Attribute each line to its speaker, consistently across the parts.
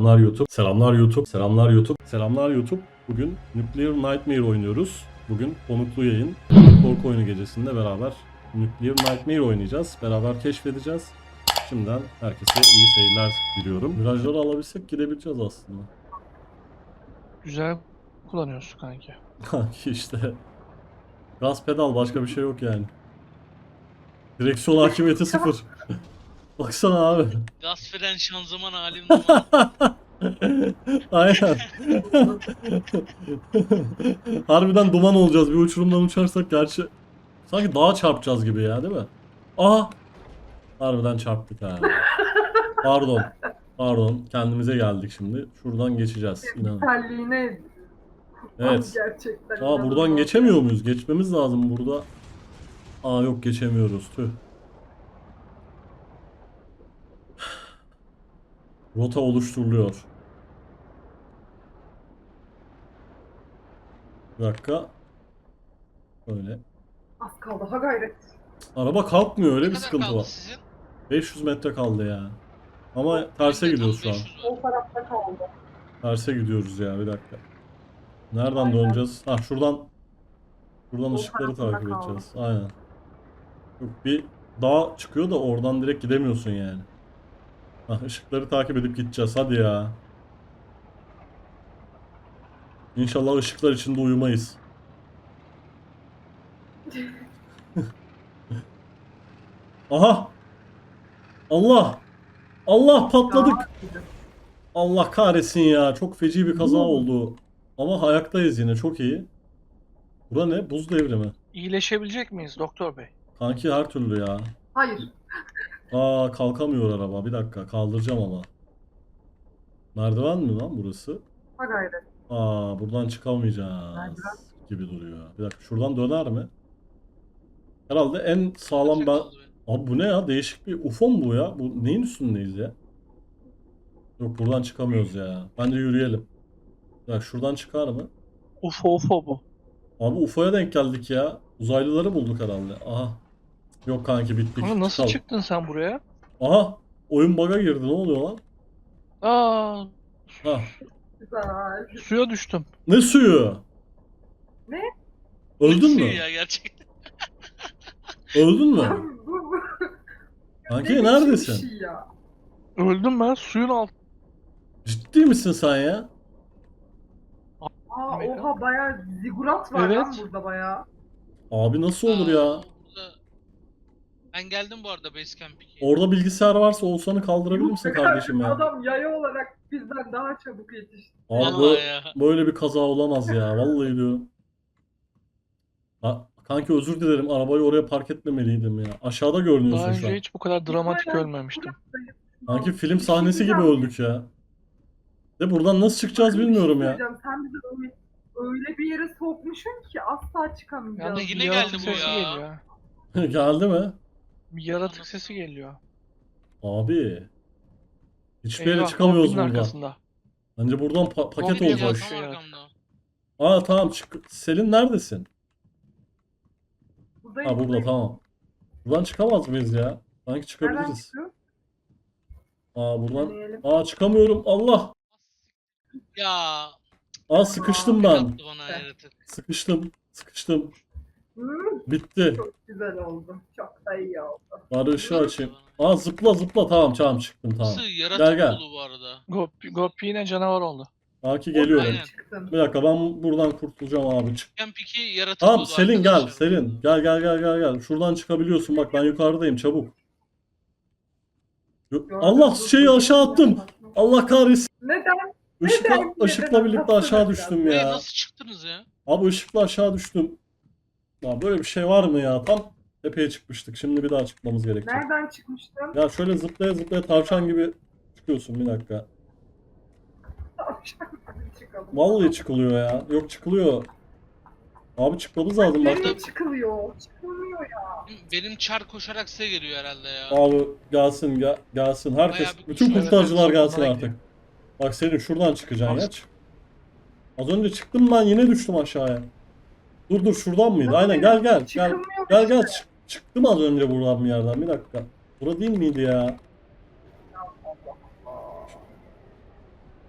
Speaker 1: Selamlar YouTube. Selamlar YouTube. Selamlar YouTube. Selamlar YouTube. Bugün Nuclear Nightmare oynuyoruz. Bugün konuklu yayın. Korku oyunu gecesinde beraber Nuclear Nightmare oynayacağız. Beraber keşfedeceğiz. Şimdiden herkese iyi seyirler diliyorum. Virajları alabilsek gidebileceğiz aslında.
Speaker 2: Güzel kullanıyorsun kanki.
Speaker 1: Kanki işte. Gaz pedal, başka bir şey yok yani. Direksiyon hakimiyeti sıfır. Baksana abi.
Speaker 3: Gaz fren şanzıman halim duman.
Speaker 1: Aynen. Harbiden duman olacağız. Bir uçurumdan uçarsak gerçi sanki dağa çarpacağız gibi ya, değil mi? Aha! Harbiden çarptık ha. Pardon. Pardon. Kendimize geldik şimdi. Şuradan geçeceğiz. İnanın.
Speaker 4: Terliğine
Speaker 1: Evet.
Speaker 4: gerçekten.
Speaker 1: Aa, buradan geçemiyor muyuz? Geçmemiz lazım burada. Aa, yok, geçemiyoruz. Tüh. Rota oluşturuluyor. Bir dakika. Böyle.
Speaker 4: Az kaldı, ha gayret.
Speaker 1: Araba kalkmıyor, öyle
Speaker 3: Ne
Speaker 1: bir
Speaker 3: kadar
Speaker 1: sıkıntı
Speaker 3: kaldı
Speaker 1: var.
Speaker 3: sizin?
Speaker 1: 500 metre kaldı ya. Ama terse
Speaker 3: Benim de tam
Speaker 1: gidiyoruz şu an.
Speaker 3: 500 var.
Speaker 4: O tarafta kaldı.
Speaker 1: Terse gidiyoruz ya, bir dakika. Nereden
Speaker 4: Aynen.
Speaker 1: döneceğiz? Ha, şuradan
Speaker 4: O
Speaker 1: ışıkları
Speaker 4: tarafında
Speaker 1: takip
Speaker 4: kaldı.
Speaker 1: edeceğiz. Aynen. Yok, bir dağ çıkıyor da oradan direkt gidemiyorsun yani. Ha, ışıkları takip edip gideceğiz. Hadi ya. İnşallah ışıklar içinde uyumayız. Aha! Allah! Allah, patladık! Allah kahretsin ya. Çok feci bir kaza oldu. Ama ayaktayız yine. Çok iyi. Bura ne? Buz devri mi?
Speaker 2: İyileşebilecek miyiz doktor bey?
Speaker 1: Kanki her türlü ya.
Speaker 4: Hayır.
Speaker 1: Aa, kalkamıyor araba. Bir dakika, kaldıracağım ama. Merdiven mi lan burası?
Speaker 4: Ha gayret.
Speaker 1: Aa, buradan çıkamayacağız
Speaker 4: Merdiven.
Speaker 1: gibi duruyor. Bir dakika, şuradan döner mi? Herhalde en sağlam
Speaker 3: Kaça
Speaker 1: ben...
Speaker 3: kaldı benim?
Speaker 1: Abi bu ne ya? Değişik bir UFO mu bu ya? Bu neyin üstündeyiz ya? Yok, buradan çıkamıyoruz ya. Bence yürüyelim. Ya şuradan çıkar mı?
Speaker 2: UFO bu.
Speaker 1: Abi UFO'ya denk geldik ya. Uzaylıları bulduk herhalde. Aha. Yok kanki, bittik.
Speaker 2: Kanka nasıl
Speaker 1: Çıkalım.
Speaker 2: çıktın sen buraya?
Speaker 1: Aha. Oyun bug'a girdi. Ne oluyor lan?
Speaker 2: Aa,
Speaker 1: Ha.
Speaker 4: Güzel.
Speaker 2: suya düştüm.
Speaker 1: Ne suyu?
Speaker 4: Ne?
Speaker 1: Öldün mü?
Speaker 3: Suyu ya gerçekten.
Speaker 1: Öldün mü?
Speaker 4: Abi bu
Speaker 1: Kanki
Speaker 4: biçim
Speaker 1: neredesin?
Speaker 4: bir şey ya.
Speaker 2: Öldüm ben suyun altında.
Speaker 1: Ciddi misin sen ya?
Speaker 4: Aa
Speaker 2: Amerika.
Speaker 4: oha bayağı zigurat var
Speaker 2: Evet.
Speaker 4: lan burada bayağı.
Speaker 1: Abi nasıl olur ya?
Speaker 3: Burada... Ben geldim bu arada Basecamp 2'ye.
Speaker 1: Orada bilgisayar varsa Oğuzhan'ı kaldırabilir misin kardeşim ya?
Speaker 4: Adam yaya olarak bizden daha çabuk yetişti.
Speaker 1: Abi
Speaker 3: Vallahi ya.
Speaker 1: böyle bir kaza olamaz ya. Vallahi diyorum. Kanki özür dilerim. Arabayı oraya park etmemeliydim ya. Aşağıda görünüyorsun
Speaker 2: Daha
Speaker 1: şu an.
Speaker 2: önce hiç bu kadar dramatik
Speaker 4: Aynen.
Speaker 2: ölmemiştim.
Speaker 1: Kanki film
Speaker 4: Bir şey
Speaker 1: sahnesi gibi
Speaker 4: diyeceğim.
Speaker 1: öldük ya. De buradan nasıl çıkacağız
Speaker 4: Bir şey
Speaker 1: bilmiyorum ya.
Speaker 4: söyleyeceğim. Sen bizi öyle bir yere sokmuşsun ki asla çıkamayacağız.
Speaker 2: Yalnız
Speaker 3: Yine
Speaker 2: bir yaratık
Speaker 3: geldi bu
Speaker 2: sesi
Speaker 3: ya.
Speaker 2: geliyor.
Speaker 1: Geldi mi?
Speaker 2: Bir yaratık sesi geliyor.
Speaker 1: Abi. Hiçbir yere
Speaker 2: Eyvah,
Speaker 1: çıkamıyoruz
Speaker 2: Goblin
Speaker 1: buradan.
Speaker 2: arkasında.
Speaker 1: Bence buradan paket
Speaker 2: Goblin
Speaker 1: olacak.
Speaker 2: yazdı.
Speaker 3: Tam
Speaker 2: Şey
Speaker 3: arkamda.
Speaker 1: Aa, tamam, çık. Selin neredesin?
Speaker 4: Buradayım,
Speaker 1: Ha, burada,
Speaker 4: buradayım.
Speaker 1: tamam. Buradan çıkamaz mıyız ya? Sanki
Speaker 4: Nereden
Speaker 1: çıkabiliriz.
Speaker 4: çıkıyor?
Speaker 1: Aa, buradan.
Speaker 4: Deneyelim.
Speaker 1: Aa, çıkamıyorum. Allah.
Speaker 3: Ya.
Speaker 1: Aa, sıkıştım
Speaker 3: Tek
Speaker 1: ben.
Speaker 3: attı bana yaratık.
Speaker 1: Sıkıştım. Sıkıştım.
Speaker 4: Hmm,
Speaker 1: Bitti.
Speaker 4: çok güzel oldu. Çok da iyi oldu.
Speaker 1: Bari ışığı açayım. Aa, zıpla zıpla. Tamam, tamam, çıktım, tamam.
Speaker 3: Nasıl yaratık
Speaker 1: Gel.
Speaker 3: oldu bu arada.
Speaker 2: Gopi yine canavar oldu.
Speaker 1: Aki geliyorum.
Speaker 3: Aynen.
Speaker 4: Çıktım.
Speaker 1: Bir dakika, ben buradan kurtulacağım abi. Çık.
Speaker 3: Basecamp 2 yaratık
Speaker 1: Tamam,
Speaker 3: oldu
Speaker 1: Selin gel.
Speaker 3: arkadaşlar.
Speaker 1: Selin. Gel. Şuradan çıkabiliyorsun. Bak, ben yukarıdayım. Çabuk. Allah, şeyi aşağı attım. Allah kahretsin.
Speaker 4: Neden?
Speaker 1: Işıkla birlikte aşağı düştüm
Speaker 3: Buraya
Speaker 1: ya.
Speaker 3: nasıl çıktınız ya?
Speaker 1: Abi ışıkla aşağı düştüm. Ya böyle bir şey var mı ya? Tam tepeye çıkmıştık. Şimdi bir daha çıkmamız gerekecek.
Speaker 4: Nereden çıkmıştım?
Speaker 1: Ya şöyle zıplaya zıplaya tavşan gibi çıkıyorsun, bir dakika.
Speaker 4: Çıkalım.
Speaker 1: Vallahi çıkılıyor ya. Yok, çıkılıyor. Abi çıkmamız lazım bak.
Speaker 4: Nereye çıkılıyor? Çıkılmıyor ya.
Speaker 3: Benim çar koşarak size geliyor herhalde ya.
Speaker 1: Abi gelsin, gelsin. Herkes,
Speaker 3: Bayağı bir
Speaker 1: bütün
Speaker 3: kuşlar
Speaker 1: kurtarıcılar
Speaker 2: arası
Speaker 1: gelsin
Speaker 2: onlara
Speaker 1: artık. Bak senin şuradan çıkacaksın ya. Az önce çıktım ben, yine düştüm aşağıya. Dur, şuradan mıydı?
Speaker 4: Nasıl
Speaker 1: Aynen,
Speaker 4: yani?
Speaker 1: gel.
Speaker 4: Çıkılmıyor
Speaker 1: Gel,
Speaker 4: işte.
Speaker 1: çıktım az önce buradan bir yerden, bir dakika. Bura değil miydi ya?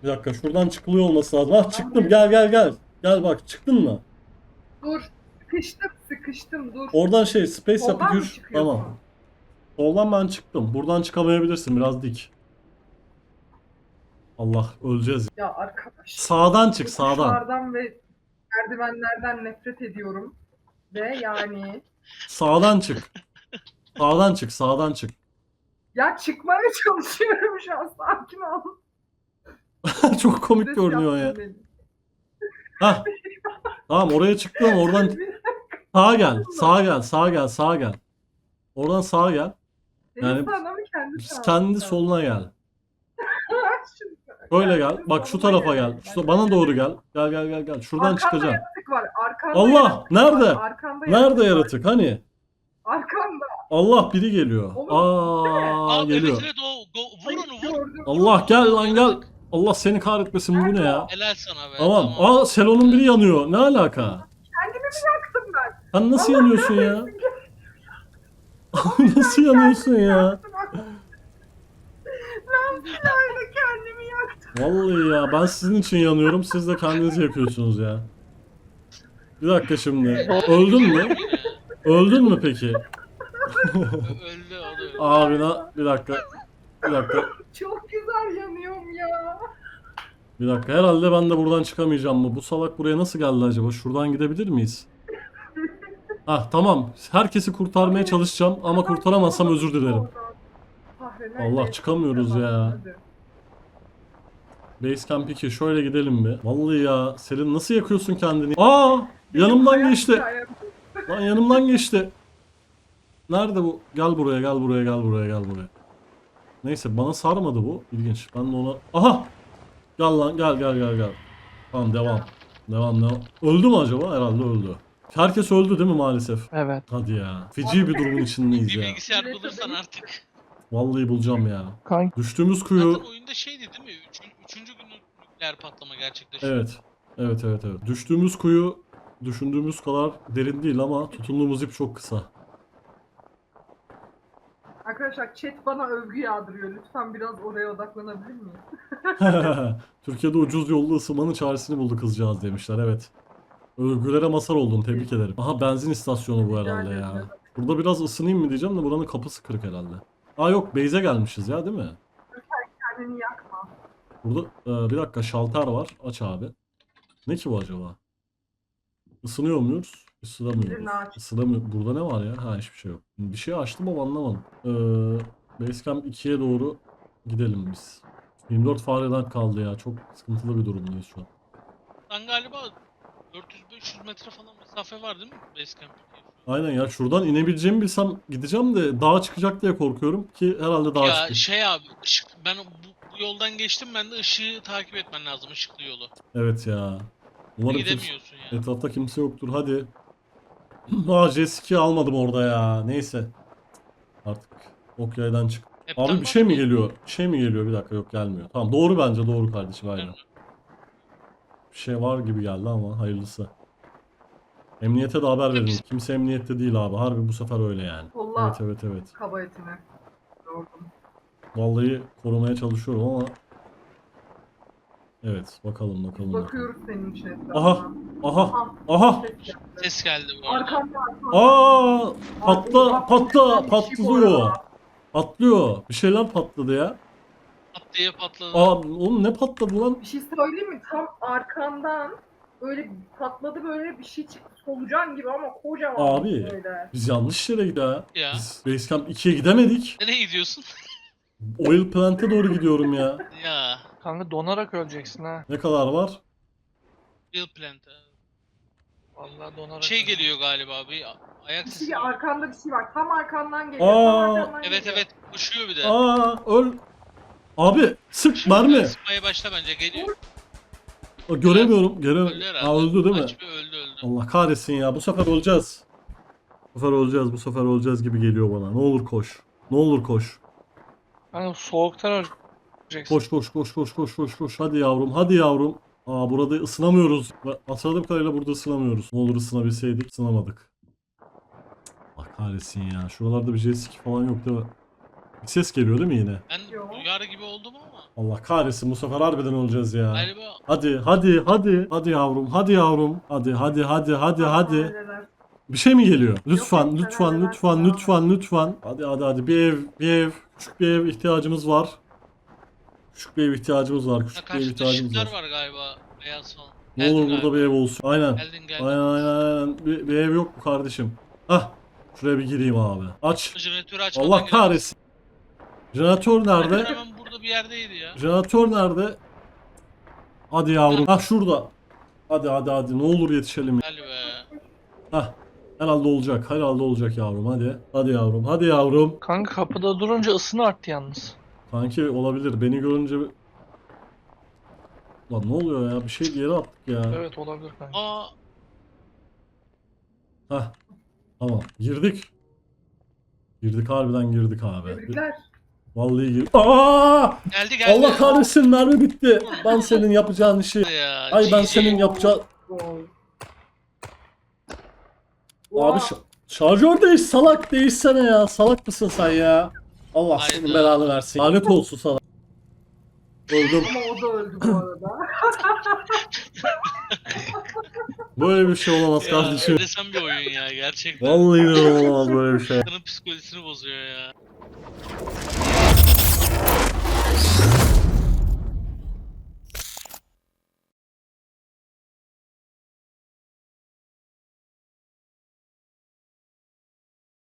Speaker 1: Bir dakika şuradan çıkılıyor olması lazım. Ah çıktım, gel gel gel. Gel bak, çıktın mı?
Speaker 4: Dur. Sıkıştım dur.
Speaker 1: Oradan şey space yap
Speaker 4: Soldan mı
Speaker 1: 2-3.
Speaker 4: çıkıyorsun?
Speaker 1: Tamam. Soldan ben çıktım. Buradan çıkamayabilirsin, biraz dik. Allah, öleceğiz.
Speaker 4: Ya arkadaş.
Speaker 1: Sağdan çık, sağdan.
Speaker 4: Yokuşlardan ve merdivenlerden nefret ediyorum. Ve yani
Speaker 1: Sağdan çık. Sağdan çık, sağdan çık.
Speaker 4: ya çıkmaya çalışıyorum şu an, sakin ol.
Speaker 1: Çok komik
Speaker 4: Stres
Speaker 1: görünüyor ya.
Speaker 4: yaptın beni.
Speaker 1: Hah. Tamam, oraya çıktım, oradan sağa gel. Sağa gel, sağa gel, sağa gel. Oradan sağa gel.
Speaker 4: Senin
Speaker 1: Yani
Speaker 4: sağına mı kendi sağına
Speaker 1: kendi
Speaker 4: mı?
Speaker 1: soluna gel.
Speaker 4: Şimdi-
Speaker 1: Böyle gel. Bak şu
Speaker 4: soluma
Speaker 1: tarafa gel.
Speaker 4: gel.
Speaker 1: Şu bana doğru gel. Gel gel gel gel. Şuradan
Speaker 4: Arkanda
Speaker 1: çıkacağım.
Speaker 4: yaratık var. Arkanda
Speaker 1: Allah!
Speaker 4: yaratık
Speaker 1: Nerede?
Speaker 4: var. Arkanda
Speaker 1: Nerede
Speaker 4: var.
Speaker 1: yaratık? Hani?
Speaker 4: Arkanda.
Speaker 1: Allah, biri geliyor.
Speaker 3: Aa, evet
Speaker 1: Geliyor.
Speaker 3: evet vur
Speaker 4: Ay,
Speaker 3: onu vur.
Speaker 4: gördüm.
Speaker 1: Allah, gel lan gel. Allah seni kahretmesin, bu ne ya?
Speaker 3: Helal sana be.
Speaker 1: Tamam. Aa, Selon'un biri yanıyor. Ne alaka?
Speaker 4: Kendimi mi yaktım ben?
Speaker 1: Sen nasıl yanıyorsun ya? Nasıl yanıyorsun ya?
Speaker 4: Ben silahla kendimi yaktım.
Speaker 1: Vallahi ya, ben sizin için yanıyorum. Siz de kendinizi yakıyorsunuz ya. Bir dakika şimdi. Öldün mü? Öldün mü peki?
Speaker 3: Öldü o da öldü.
Speaker 1: Abi bir dakika. Bir dakika.
Speaker 4: Çok güzel yanıyorum ya.
Speaker 1: Bir dakika. Herhalde ben de buradan çıkamayacağım mı? Bu salak buraya nasıl geldi acaba? Şuradan gidebilir miyiz? Ah tamam. Herkesi kurtarmaya çalışacağım ama kurtaramazsam özür dilerim. Allah, çıkamıyoruz ya. Basecamp 2, şöyle gidelim bir. Vallahi ya, Selin nasıl yakıyorsun kendini? Aa! Yanımdan geçti. Lan yanımdan geçti. Nerede bu? Gel buraya, gel buraya, gel buraya, gel buraya. Neyse, bana sarmadı bu. İlginç. Ben de ona... Aha! Gel lan, gel gel gel gel. Tamam, devam. Devam devam. Öldü mü acaba? Herhalde öldü. Herkes öldü değil mi maalesef?
Speaker 2: Evet.
Speaker 1: Hadi ya. Feci bir durumun içindeyiz
Speaker 3: Bir
Speaker 1: ya.
Speaker 3: bilgisayar bulursan artık.
Speaker 1: Vallahi bulacağım ya.
Speaker 2: Kanka
Speaker 1: Düştüğümüz kuyu...
Speaker 3: Zaten oyunda şeydi değil mi? Üçüncü günü nükleer patlama gerçekleşiyor.
Speaker 1: Evet. Evet evet evet. Düştüğümüz kuyu düşündüğümüz kadar derin değil ama tutunduğumuz ip çok kısa.
Speaker 4: Arkadaşlar chat bana övgü yağdırıyor. Lütfen biraz oraya odaklanabilir miyim?
Speaker 1: Türkiye'de ucuz yollu ısınmanın çaresini buldu kızcağız demişler, evet. Övgülere mazhar oldun, tebrik ederim. Aha, benzin istasyonu bu herhalde
Speaker 4: Rica
Speaker 1: ya.
Speaker 4: ederim.
Speaker 1: Burada biraz ısınayım mı diyeceğim de buranın kapısı kırık herhalde. Aa yok, base'e gelmişiz ya, değil mi?
Speaker 4: Kendini yakma.
Speaker 1: Burada bir dakika, şalter var. Aç abi. Ne ki bu acaba? Isınıyor muyuz? Isınamıyoruz.
Speaker 4: Birini aç.
Speaker 1: Isınamıyor. Burada ne var ya? Ha, hiçbir şey yok. Bir şey açtım ama anlamadım. Basecamp 2'ye doğru gidelim biz. 24 fareden kaldı ya. Çok sıkıntılı bir durumdayız şu an.
Speaker 3: Sen galiba 400-500 metre falan mesafe var değil mi Basecamp'e?
Speaker 1: Aynen ya, şuradan inebileceğimi bilsem gideceğim de dağa çıkacak diye korkuyorum ki herhalde dağa
Speaker 3: Ya
Speaker 1: çıkayım.
Speaker 3: şey abi ben bu yoldan geçtim, ben de ışığı takip etmen lazım, ışıklı yolu.
Speaker 1: Evet ya. Umarım
Speaker 3: Gidemiyorsun ya.
Speaker 1: etrafta kimse yoktur. Hadi. Aa, J2 almadım orada ya. Neyse. Artık ok yaydan çık.
Speaker 3: Hepten
Speaker 1: Abi bir şey mi
Speaker 3: basmıyor.
Speaker 1: geliyor? Bir şey mi geliyor? Bir dakika, yok gelmiyor. Tamam, doğru bence, doğru kardeşim, aynen.
Speaker 3: Gelme.
Speaker 1: Bir şey var gibi geldi ama hayırlısı. Emniyete de haber verin. Kimse emniyette değil abi. Harbi bu sefer öyle yani.
Speaker 4: Kolla.
Speaker 1: Evet evet evet.
Speaker 4: Kaba etini. Gördüm.
Speaker 1: Vallahi korumaya çalışıyorum ama. Evet, bakalım bakalım. bakalım.
Speaker 4: Bakıyoruz senin için etrafına.
Speaker 1: Aha, aha, aha.
Speaker 4: Ses geldi.
Speaker 3: Ses geldi bu arada.
Speaker 4: Arkamda arkamda.
Speaker 1: Aa,
Speaker 4: Oha,
Speaker 1: patlıyor. Patlıyor. Bir şeyler patladı ya.
Speaker 3: Pat diye patladı.
Speaker 1: Aa, oğlum ne patladı lan?
Speaker 4: Bir şey söyleyeyim mi? Tam arkandan böyle patladı, böyle bir şey çıktı. Solucan gibi ama kocaman
Speaker 1: Abi.
Speaker 4: böyle.
Speaker 1: Biz yanlış yere gidiyoruz.
Speaker 3: Ya.
Speaker 1: Biz Basecamp 2'ye gidemedik.
Speaker 3: Nereye gidiyorsun?
Speaker 1: Oil Plant'e doğru gidiyorum ya.
Speaker 3: Ya.
Speaker 2: kanka donarak öleceksin ha.
Speaker 1: Ne kadar var?
Speaker 3: Bill Plant.
Speaker 2: Vallahi donarak.
Speaker 3: Şey
Speaker 2: öleceksin.
Speaker 3: geliyor galiba, bir ayak
Speaker 4: Bir
Speaker 3: sesi.
Speaker 4: şey, arkanda bir şey var. Tam arkandan geliyor.
Speaker 1: Aa.
Speaker 4: Tam arkandan
Speaker 3: Evet
Speaker 4: geliyor.
Speaker 3: evet, koşuyor bir de.
Speaker 1: Aa, öl. Abi sık mermi.
Speaker 3: Sıkmaya başla bence, geliyor.
Speaker 1: Göremiyorum.
Speaker 3: Öldü herhalde.
Speaker 1: Aa, öldü değil mi?
Speaker 3: Aç bir öldü.
Speaker 1: Allah kahretsin ya. Bu sefer olacağız. Bu sefer olacağız. Bu sefer olacağız gibi geliyor bana. Ne olur koş. Ne olur koş.
Speaker 2: Kanka soğuktan öleceksin.
Speaker 1: Koş koş koş koş koş koş koş. Hadi yavrum. Hadi yavrum. Aa, burada ısınamıyoruz. Hatırladığım kadarıyla burada ısınamıyoruz. Ne olur ısınabilseydik. Isınamadık. Allah kahretsin ya. Şuralarda bir jet ski falan yok değil mi? Bir ses geliyor değil mi yine?
Speaker 3: Ben
Speaker 4: Yok.
Speaker 3: duyar gibi oldum ama.
Speaker 1: Allah kahretsin, bu sefer harbiden olacağız ya.
Speaker 3: Galiba
Speaker 1: Hadi hadi hadi. Hadi yavrum, hadi yavrum. Hadi hadi hadi hadi hadi.
Speaker 4: Halleder.
Speaker 1: Bir şey mi geliyor? Lütfen
Speaker 4: yok,
Speaker 1: lütfen
Speaker 4: sen
Speaker 1: lütfen
Speaker 4: halledersin
Speaker 1: lütfen lütfen. Hadi hadi hadi, bir ev. Küçük bir ev ihtiyacımız var. Küçük bir ev ihtiyacımız var.
Speaker 3: ha,
Speaker 1: Küçük bir ev
Speaker 3: karşıda
Speaker 1: ihtiyacımız
Speaker 3: ışıklar
Speaker 1: var.
Speaker 3: var galiba. Beyaz falan.
Speaker 1: Ne olur
Speaker 3: Geldin
Speaker 1: burada
Speaker 3: galiba.
Speaker 1: bir ev olsun. Aynen.
Speaker 3: Geldin.
Speaker 1: Aynen. Bir ev yok mu kardeşim? Hah. Şuraya bir gireyim abi. Aç.
Speaker 3: Jeneratörü açmadan
Speaker 1: Allah
Speaker 3: giremez.
Speaker 1: kahretsin. Jeneratör
Speaker 3: Jeneratör
Speaker 1: nerede?
Speaker 3: hemen burada bir yerdeydi ya.
Speaker 1: Jeneratör nerede? Hadi yavrum. Hah, şurada. Hadi hadi hadi. Ne olur yetişelim.
Speaker 3: Gel be.
Speaker 1: Hah. Herhalde olacak. Herhalde olacak yavrum. Hadi. Hadi yavrum. Hadi yavrum.
Speaker 2: Kanka kapıda durunca ısını arttı yalnız.
Speaker 1: Kanki olabilir. Beni görünce... Lan ne oluyor ya? Bir şey yere attık ya.
Speaker 2: Evet olabilir kanka.
Speaker 3: Aa,
Speaker 1: Hah. Tamam. Girdik. Girdik, harbiden girdik abi.
Speaker 4: Tebrikler.
Speaker 1: Vallahi girdik. Aa!
Speaker 3: geldi.
Speaker 1: Allah kahretsin, mermi bitti. Ben senin yapacağın işi.
Speaker 3: Ya,
Speaker 1: Ay ben
Speaker 3: GG.
Speaker 1: senin yapacağın...
Speaker 4: Wow.
Speaker 1: Abi
Speaker 4: Wow.
Speaker 1: şarjör değiş, salak, değişsene ya. Salak mısın sen ya? Allah
Speaker 3: Hayda.
Speaker 1: senin belanı versin. Lanet olsun sana. Öldüm.
Speaker 4: Ama o da öldü bu arada.
Speaker 1: Böyle bir şey olamaz
Speaker 3: Ya,
Speaker 1: kardeşim.
Speaker 3: enteresan bir oyun ya gerçekten.
Speaker 1: Vallahi olamaz böyle bir şey.
Speaker 3: İnsanın psikolojisini bozuyor ya.